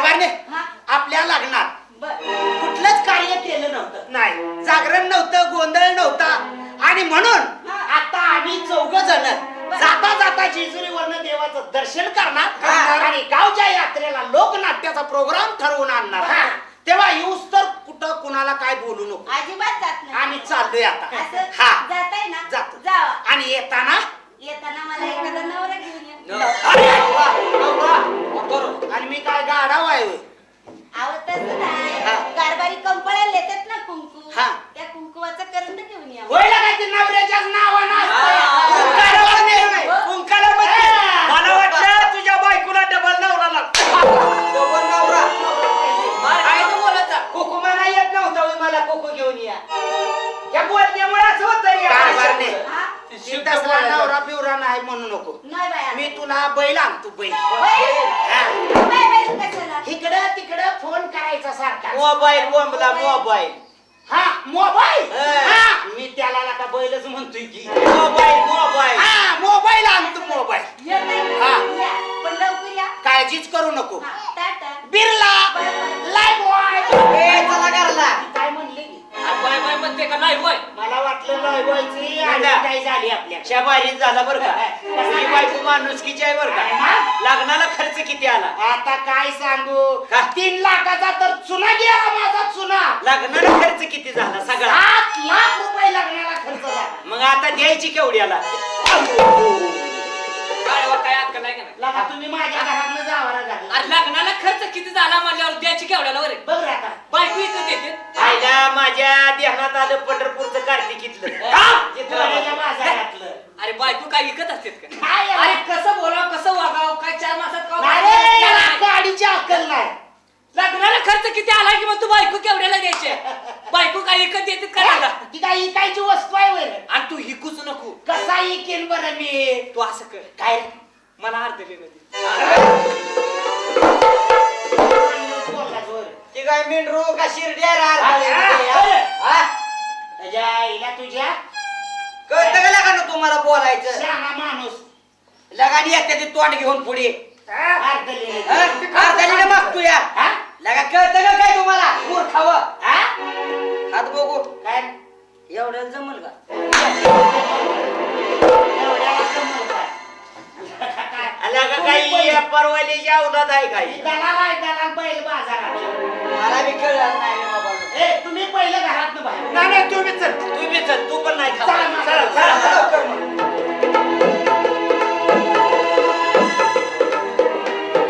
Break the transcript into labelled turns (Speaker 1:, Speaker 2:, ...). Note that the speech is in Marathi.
Speaker 1: कारभारने आपल्या लग्नात कुठलंच कार्य केलं नव्हतं, नाही जागरण नव्हतं, गोंधळ नव्हता आणि म्हणून आता आम्ही 4 जण जाता जाता जेजुरीवरनं देवाचं दर्शन करणार आणि गावच्या यात्रेला लोकनाट्याचा प्रोग्राम ठरवून आणणार. तेव्हा येऊस तर कुठं कुणाला काय बोलू नको,
Speaker 2: अजिबात जात नाही.
Speaker 1: आम्ही चाललोय आता.
Speaker 2: हा जाताय ना,
Speaker 1: जातो.
Speaker 2: जावा.
Speaker 1: आणि येताना
Speaker 2: मला एखादा नवरा घेऊन या.
Speaker 1: आणि मी काय गाढव आहे
Speaker 2: आवतच नाही, कारभारी कंपळ्याला येतात ना कुंकू, त्या कुंकुवाचं करंट घेऊन या.
Speaker 1: होय का ते नवऱ्याच्याच नावानं
Speaker 3: कुंकाला मला वाटलं तुझ्या बायकोला डबल नवरा लागतो. डबल नवरा
Speaker 1: कोको म्हणा येत नव्हता मला कोको घेऊन या. या बोलण्यामुळे असं होतं तसला नवरा बिवरा नाही म्हणू नको.
Speaker 2: नाही बाया.
Speaker 1: मी तुला बैल आणतो, बैल. इकडं तिकडं फोन करायचा सारखा.
Speaker 3: मोबाईल बोंबला मोबाईल.
Speaker 1: हा मोबाईल. मी त्याला का बैलच म्हणतोय की
Speaker 3: मोबाईल मोबाईल.
Speaker 1: हा मोबाईल आणतो, मोबाईल.
Speaker 2: पण लवकर या.
Speaker 1: काळजीच करू नको.
Speaker 2: टाटा.
Speaker 1: Birla Lifebuoy.
Speaker 3: चला घरला.
Speaker 1: काय म्हणले की
Speaker 3: बाय बाय म्हणते का नाही होय.
Speaker 1: मला वाटलं लाईव्ह बॉयची आणि काय झाली आपल्या
Speaker 3: शबारीच झाला बरं का. ही बायको माणुसकीची आहे बरं का. लग्नाला खर्च किती आला
Speaker 1: आता काय सांगू. 3 लाखाचा तर चुना गेला माझा चुना.
Speaker 3: लग्नाला खर्च किती झाला सगळा.
Speaker 1: 7 लाख रुपये लग्नाला खर्च झाला.
Speaker 3: मग आता द्यायची केवढ्याला. काय अक्कल आहे का नाही.
Speaker 1: लगा तुम्ही माझ्या घरातनं जावारा घातला.
Speaker 4: अरे लग्नाला खर्च किती झाला म्हणल्यावर द्यायची केवढ्याला बरे.
Speaker 1: बघ रे आता
Speaker 4: बायको इथं देते.
Speaker 3: आईला माझ्या ध्यानात आलं पंढरपूरचं कार्तिकीतलं.
Speaker 1: पोराच्या बाजारातलं.
Speaker 4: अरे बायको काय विकत असते का.
Speaker 1: काय
Speaker 4: अरे कसं बोलाव कसं वागाव काय 4 मासात
Speaker 1: नाही, याला गाडीची अक्कल नाही.
Speaker 4: लग्नाला खर्च किती आला की मग तू बायको केवढ्याला द्यायचे. बायको काय विकत देते का.
Speaker 1: ती काय इकायची वस्तू आहे वर.
Speaker 4: आणि तू हिकूच नको.
Speaker 1: कसा इकेन बरं मी.
Speaker 4: तू असं कर
Speaker 1: काय
Speaker 4: मला अर्ध दे.
Speaker 1: बोलला जोर.
Speaker 3: ती काय मेंढरू का शिरड्या
Speaker 1: त्याच्या आईला तुझ्या
Speaker 3: कळतं का लागा ना तुम्हाला बोलायचं.
Speaker 1: शहाणा माणूस.
Speaker 3: लगानी येते ते तोंड घेऊन पुढे
Speaker 1: अर्धलेलं.
Speaker 3: अर्धाने मागतो या. लगा कळतं का काय तुम्हाला मूर्खावं. हात बघू
Speaker 1: काय
Speaker 3: एवढं जमल का.
Speaker 1: एवढ्याला जमलं काय?
Speaker 3: लगा काही परवालीची अवलाद आहे काही.
Speaker 1: दलाल आहे, दलाल बैल बाजारात.
Speaker 3: मला बी कळलं नाही रे बाबा.
Speaker 1: ए तुम्ही पहिलं घरातनं बाहेर.
Speaker 3: नाही तुम्ही चल तू पण नाही
Speaker 1: चला, चला,
Speaker 3: चला लवकर मग.